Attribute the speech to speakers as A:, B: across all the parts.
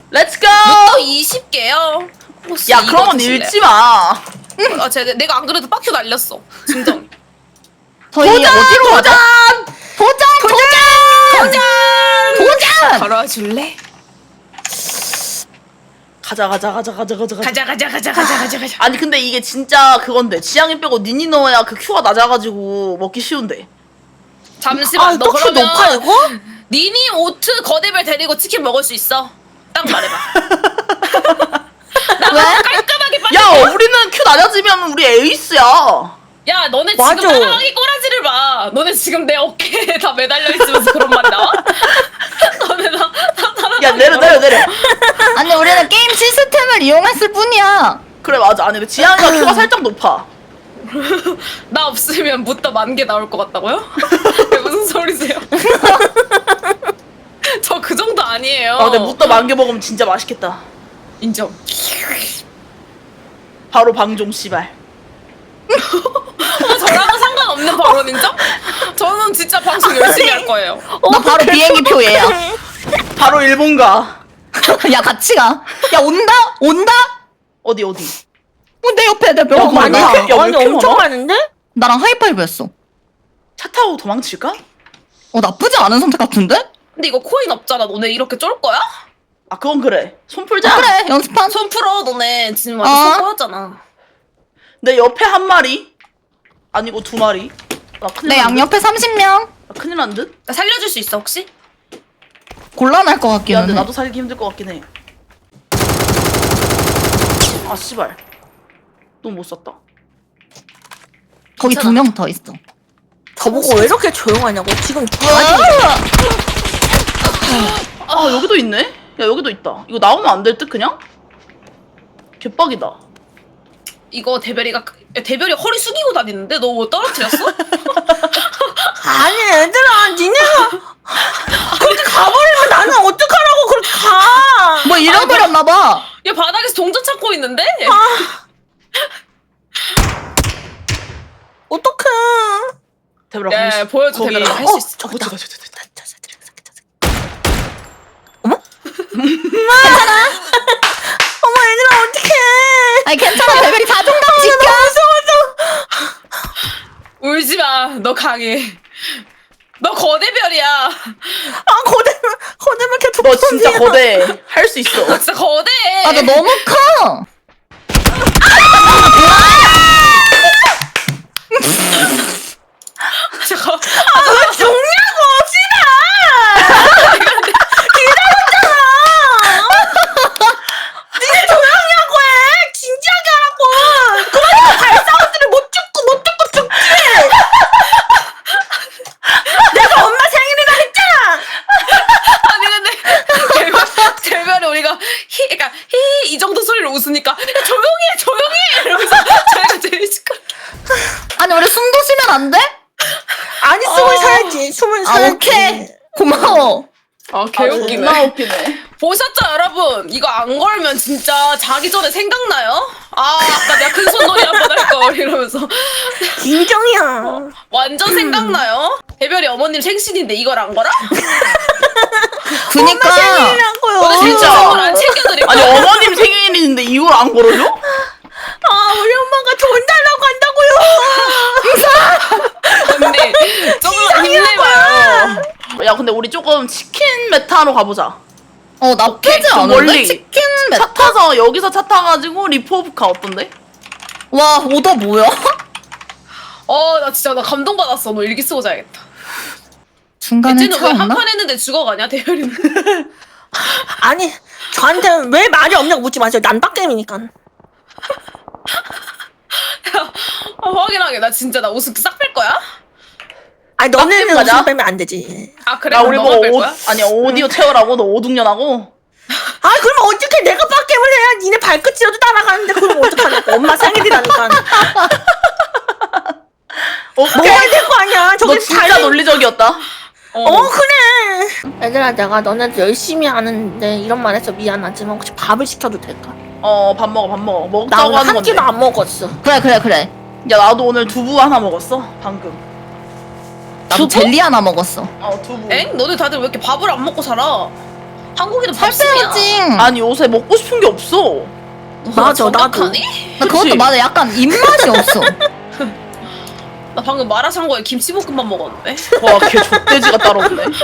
A: 렛츠고!
B: 또 20개요.
A: 야, 그런 건 읽지 마.
B: 내가 안 그래도 빡큐 날렸어. 진정.
C: 저희 어디로 가자? 도전!
B: 걸어와 줄래?
A: 가자.
B: 가자.
A: 아니, 근데 이게 진짜 그건데. 지향이 빼고 니니 넣어야 그 큐가 낮아가지고 먹기 쉬운데.
B: 잠시만. 너
C: 떡이
B: 그러면
C: 높아 이거?
B: 니니 오트 거대별 데리고 치킨 먹을 수 있어? 딱 말해봐.
C: 왜?
B: 깔끔하게 빨리.
A: 야, 우리는 큐 낮아지면 우리 에이스야.
B: 야, 너네
C: 맞아.
B: 지금 따라하기 꼬라지를 봐. 너네 지금 내 어깨에 다 매달려 있으면서 그런 말이 나와? 너네 다
A: 야, 내려.
C: 아니 우리는 게임 시스템을 이용했을 뿐이야.
A: 그래, 맞아. 아니, 근데 지향이가 큐가 살짝 높아.
B: 나 없으면 무더 10,000개 나올 것 같다고요? 그게 무슨 소리세요? 저 그 정도 아니에요.
A: 아, 근데 무더 10,000개 먹으면 진짜 맛있겠다.
B: 인정.
A: 바로 방종 씨발.
B: 저랑은 상관없는 발언 인정? 저는 진짜 방송 열심히 할 거예요.
C: 나 바로 비행기표 얘야.
A: 바로 일본 가.
C: 야 같이 가. 야 온다?
A: 어디?
C: 내 옆에 내
A: 야,
C: 명
A: 많이
C: 많아.
A: 야, 왜
C: 아니
A: 이렇게
C: 엄청
A: 많아?
C: 많은데? 나랑 하이파이브 했어.
A: 차 타고 도망칠까?
C: 나쁘지 않은 선택 같은데?
B: 근데 이거 코인 없잖아. 너네 이렇게 쫄 거야?
A: 아, 그건 그래. 손 풀자.
C: 그래 연습한.
B: 손 풀어. 너네 지금 완전 손 꼬였잖아.
A: 내 옆에 한 마리. 아니고 2마리. 나 큰일
C: 내
A: 난 듯?
C: 양옆에 30명.
A: 나 큰일 난 듯?
B: 나 살려줄 수 있어 혹시?
C: 곤란할 것
A: 야,
C: 같기는
A: 근데
C: 해.
A: 나도 살기 힘들 것 같긴 해. 아, 씨발. 너무 못 썼다.
C: 거기
B: 괜찮아.
C: 2명 더 있어.
D: 저보고 왜 이렇게 조용하냐고 지금
A: 아, 여기도 있네? 야, 여기도 있다. 이거 나오면 안 될 듯, 그냥? 개빡이다.
B: 이거 대별이 허리 숙이고 다니는데 너 뭐 떨어뜨렸어?
D: 아니 얘들아 니네가 그렇게 가버리면 나는 어떡하라고 그렇게 가
C: 뭐 잃어버렸나봐.
B: 얘 바닥에서 동전 찾고 있는데?
D: 어떡해
A: 대별아,
B: 야,
A: 거기
B: 보여줘,
A: 거기-
B: 대별아. 할 수 있어.
A: 저기다.
D: 어머 얘들아 어떡해
C: 아니 괜찮아. 레벨이 자존감 지켜.
B: 울지 마. 너 강해. 너 거대별이야.
D: 아 거대면 계속
A: 너 진짜 거대. 할 수 있어.
B: 너 진짜 거대해.
C: 아 너 너무 커.
B: 잠깐.
D: 왜 죽냐고 씨발 기다렸잖아 니네 조용히 하고 해 진지하게 하라고 그러니까 발사운드를 못 듣고 죽지 내가 엄마 생일이라 했잖아
B: 아니 근데 대별이 우리가 그러니까 이 정도 소리로 웃으니까 야, 조용히 해 이러면서 저희가 제일 시끄러.
C: 아니 우리 숨도 쉬면 안 돼?
D: 아니 숨을 쉬어야지 숨을
C: 아
D: 쉬어야지
C: 오케이. 고마워.
B: 아
A: 아,
B: 개웃기네.
A: 존나 웃기네.
B: 보셨죠 여러분? 이거 안 걸면 진짜 자기 전에 생각나요? 아 아까 내가 큰 손놀이 한번 할 걸 이러면서
D: 인정이야
B: 완전 생각나요? 대별이 어머님 생신인데 이걸 안 걸어?
C: 그니까.
D: 생일이라고요
B: 오늘 생신
A: 진짜.
B: 선물 안 챙겨드릴
A: 아니,
B: 거야?
A: 어머님 생일인데 이걸 안 걸어줘?
D: 아 우리 엄마가 돈 달라고 한다고요
B: 언니 조금만 힘내봐요.
A: 야, 근데 우리 조금 치킨 메타로 가보자.
C: 나쁘지
A: 좀
C: 않은데?
A: 멀리.
C: 치킨
A: 차
C: 메타?
A: 타서, 여기서 차 타가지고 리포브카 어떤데?
C: 와 오더 뭐야?
B: 나 진짜 나 감동받았어. 너 일기 쓰고 자야겠다.
C: 중간에
B: 쟤는
C: 차
B: 왜 한
C: 없나?
B: 판 했는데 죽어가냐 대별이는?
D: 아니 저한테 왜 말이 없냐고 묻지 마세요 난빡게임이니까
B: 확인하게. 나 진짜 나 웃음 싹 뺄 거야?
D: 아니 너네는
A: 맞아?
D: 웃음 빼면 안 되지
B: 아 그래?
A: 야,
B: 그럼
A: 우리
B: 너가
A: 뭐,
B: 뺄 거야?
A: 아니, 오디오 채우라고? 너 오둥년하고?
D: 아 그러면 어떻게 내가 빡게임을 해야 니네 발끝이라도 따라가는데 그럼 어떡하냐고 엄마 생일이라니까
A: 오케이.
D: 먹어야 될 거 아니야
A: 너
D: 저기
A: 진짜 논리적이었다.
D: 그래 얘들아 내가 너네들 열심히 하는데 이런 말 해서 미안하지만 혹시 밥을 시켜도 될까?
A: 밥 먹어.
D: 나
A: 먹자고
D: 오늘
A: 하는
D: 한
A: 건데.
D: 끼도 안 먹었어
C: 그래.
A: 야, 나도 오늘 두부 하나 먹었어. 방금.
C: 나도 젤리 하나 먹었어.
A: 두부.
B: 엥? 너네 다들 왜 이렇게 밥을 안 먹고 살아? 한국인은
C: 살
B: 밥심이야.
C: 빼야지.
A: 아니 요새 먹고 싶은 게 없어.
D: 맞아, 나도.
B: 정확하니?
C: 나 그것도
A: 그치?
C: 맞아. 약간 입맛이 없어.
B: 나 방금 마라샹궈에 김치볶음밥 먹었는데.
A: 와걔 족돼지가 따로 없네.
B: 꿀꿀.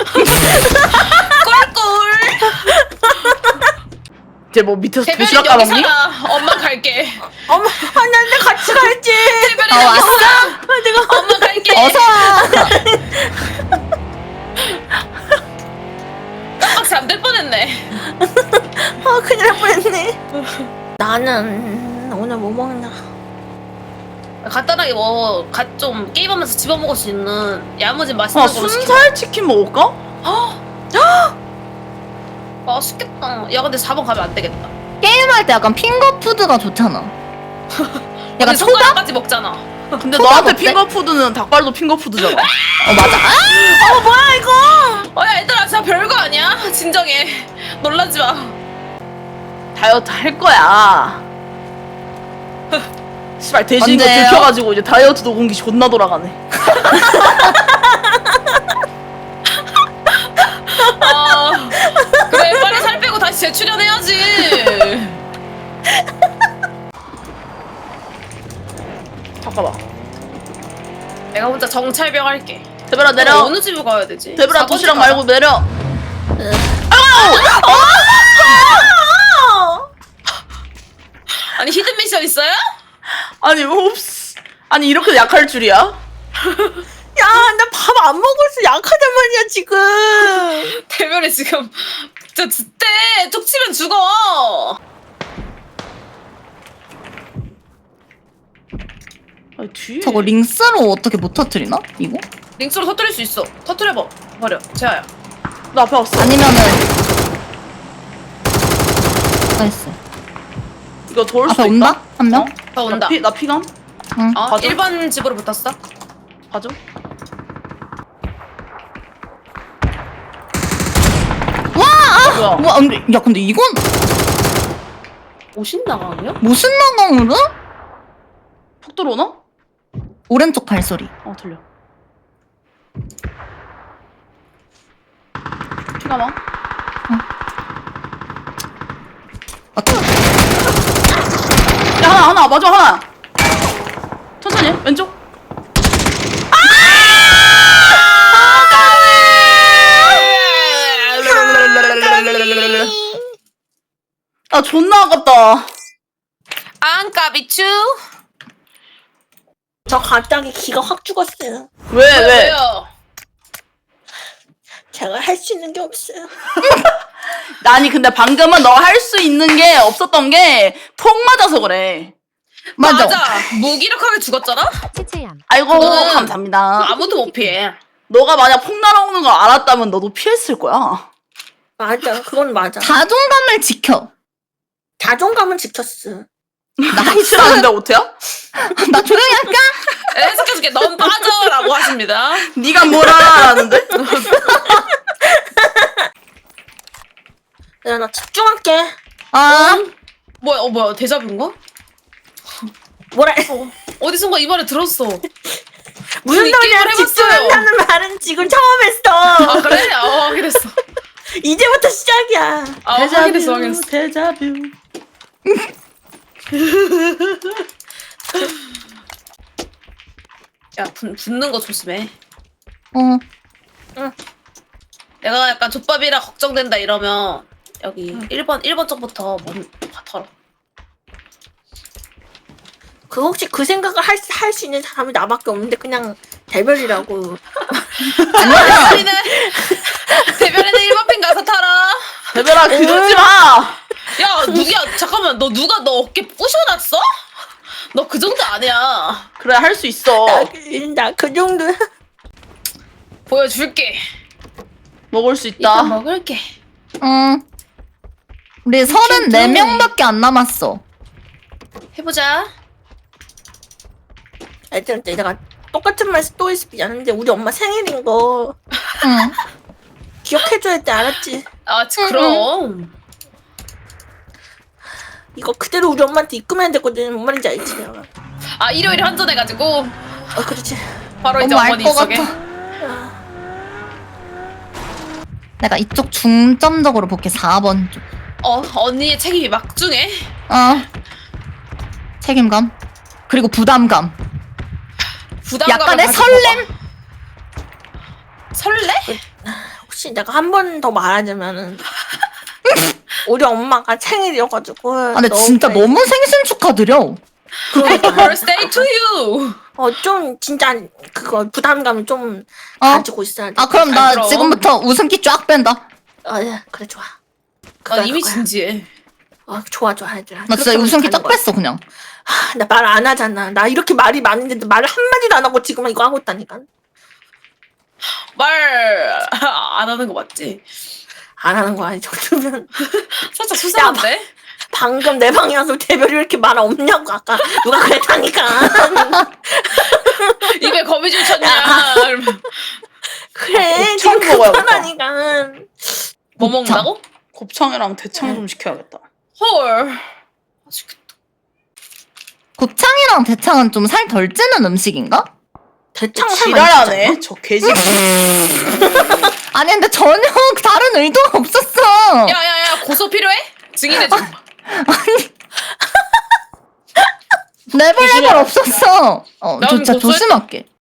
A: 이제 뭐 밑에서
B: 대별이
A: 도시락
B: 여기
A: 까먹니?
B: 살아. 엄마 갈게.
D: 어머, 안돼 같이 갈지.
B: 대별이
C: 어,
B: 여기
C: 왔어?
B: 살아. 내가 엄마 갈게.
C: 어서 와.
B: 깜빡 잠들 뻔했네.
D: 큰일 날 뻔했네. 나는 오늘 뭐 먹나?
B: 간단하게 뭐 좀 게임하면서 집어 먹을 수 있는 야무진 맛있는
A: 아
B: 걸로 시켜.
A: 순살 치킨 먹을까?
B: 맛있겠다. 야 근데 4번 가면 안 되겠다.
C: 게임할 때 약간 핑거푸드가 좋잖아.
B: 근데
C: 약간 초밥?
B: 손가락까지 먹잖아.
A: 근데
C: 초밥
A: 너한테
C: 어때?
A: 핑거푸드는 닭발도 핑거푸드잖아.
C: 맞아.
B: 야 얘들아 진짜 별거 아니야? 진정해. 놀라지 마.
A: 다이어트 할 거야. 씨발 돼지 이거
C: 언제요?
A: 들켜가지고 이제 다이어트 녹음기 존나 돌아가네.
B: 아, 그래 빨리 살 빼고 다시 재출연해야지.
A: 잠깐만.
B: 내가 혼자 정찰병 할게.
A: 대별아 내려.
B: 어느 집을 가야 되지?
A: 대별아
B: 4번
A: 도시락
B: 집 가자.
A: 말고 내려.
B: 아니 히든 미션 있어요?
A: 아니 옵스. 아니 이렇게 약할 줄이야?
D: 야, 나 밥 안 먹어서 약하단 말이야 지금.
B: 대별이 지금 진짜 줏대 툭 치면 죽어.
A: 아니 뒤에.
C: 저거 링스로 어떻게 못 터뜨리나? 이거?
B: 링스로 터뜨릴 수 있어. 터뜨려봐. 버려. 재아야.
A: 나 앞에 왔어.
C: 아니면은 나이스.
A: 이거 도울 수도
C: 앞에
A: 있다.
C: 온다? 한 명?
B: 더 온다.
A: 나 피감?
C: 응.
B: 어?
A: 가져?
B: 1번 집으로 붙었어.
A: 가져. 뭐야?
C: 와, 근데 야 근데 이건
B: 오신 나가요?
C: 무슨 나강으로?
A: 폭 들어오나?
C: 오른쪽 발소리.
A: 들려. 피감아. 야 하나 맞아 하나. 천천히 해. 왼쪽. 아 존나 아깝다.
B: 안까비추.
D: 저 갑자기 기가 확 죽었어요.
A: 왜?
B: 왜요?
D: 제가 할 수 있는 게 없어요.
A: 아니 근데 방금은 너 할 수 있는 게 없었던 게 폭 맞아서 그래.
C: 맞아.
B: 무기력하게 죽었잖아?
A: 아이고
B: 그거는
A: 감사합니다.
B: 아무도 못 피해.
A: 너가 만약 폭 날아오는 걸 알았다면 너도 피했을 거야.
D: 맞아, 그건 맞아.
C: 자존감을 지켜.
D: 자존감은 지켰어.
A: 나 싫어하는데 오태야?
C: 나 조용히 할까?
B: 해석해줄게. 넌 빠져라고 하십니다.
A: 네가 뭘 알아라는데?
D: 야, 나 집중할게.
C: 아,
B: 뭐야 데자뷰인가?
D: 뭐라?
B: 어디선가 이 말을 들었어.
D: 무슨
B: 이
D: 소리야?
B: 게임을 해봤어요.
D: 집중한다는 말은 지금 처음 했어.
B: 아 그래? 확인했어.
D: 이제부터 시작이야.
B: 확인했어.
A: 데자뷰.
B: 야 붙는 거 조심해.
C: 어.
B: 내가 약간 족밥이라 걱정된다 이러면 여기 1번 쪽부터 털어.
D: 그 혹시 그 생각을 할 수 있는 사람이 나밖에 없는데 그냥 대별이라고.
B: 대별이는 1번 핀 가서 타라.
A: 대별아 그러지 마.
B: 야 누구야? 잠깐만 너 누가 너 어깨 부셔놨어? 너 그 정도 아니야.
A: 그래 할 수 있어.
D: 나 그 정도야.
B: 보여줄게.
A: 먹을 수 있다.
B: 이따 먹을게.
C: 응. 우리 34명밖에 안 남았어.
B: 해보자.
D: 애들한테 내가 똑같은 말 또 해서 미안한데 우리 엄마 생일인 거
C: 응.
D: 기억해줘야 돼, 알았지?
B: 아 그럼.
D: 이거 그대로 우리 엄마한테 입금해야 되거든. 뭔 말인지 알지? 내가.
B: 아 일요일에 환전해가지고
D: 그렇지.
B: 바로 이제
C: 너무
B: 어머니
C: 알 것
B: 입속에.
C: 같아. 내가 이쪽 중점적으로 볼게. 4번 쪽.
B: 언니의 책임이 막중해.
C: 책임감 그리고 부담감.
B: 부담감을
C: 약간의
B: 가지고
C: 설렘.
B: 봐. 설레?
D: 혹시 내가 한 번 더 말하자면은 우리 엄마가 생일이어가지고.
C: 근데 진짜 너무 생신 축하드려.
B: Happy birthday to you.
D: 좀 진짜 그거 부담감을 좀
C: 어?
D: 가지고 있어야 돼.
C: 그럼 나
B: 그럼.
C: 지금부터 웃음기 쫙 뺀다.
D: 예, 그래 좋아.
B: 난 이미
D: 그거야.
B: 진지해.
D: 좋아 얘들아.
C: 나 진짜
D: 그렇게
C: 웃음기 쫙
D: 가는 거야.
C: 뺐어 그냥.
D: 나 말 안 하잖아. 나 이렇게 말이 많은데도 말을 한마디도 안 하고 지금 이거 하고 있다니까.
B: 말 안 하는 거 맞지?
D: 안 하는 거야 이 정도면.
B: 살짝 수상한데?
D: 방금 내 방에 와서 대별이 왜 이렇게 말 없냐고 아까 누가 그랬다니까.
B: 입에 거미줄 쳤냐? 이러면
D: 그래
A: 곱창
D: 지금
A: 먹어야겠다.
D: 급하다니까.
B: 뭐
C: 곱창.
B: 먹는다고?
A: 곱창이랑 대창 좀 시켜야겠다.
B: 헐. 맛있겠다.
C: 곱창이랑 대창은 좀 살 덜 찌는 음식인가?
D: 대창
A: 지랄하네. 저 개집.
C: 아니 근데 전혀 다른 의도가 없었어.
B: 야야야 고소 필요해? 증인해줘.
C: 레벨 없었어.
B: 난
C: 진짜
B: 고소했-
C: 조심할게.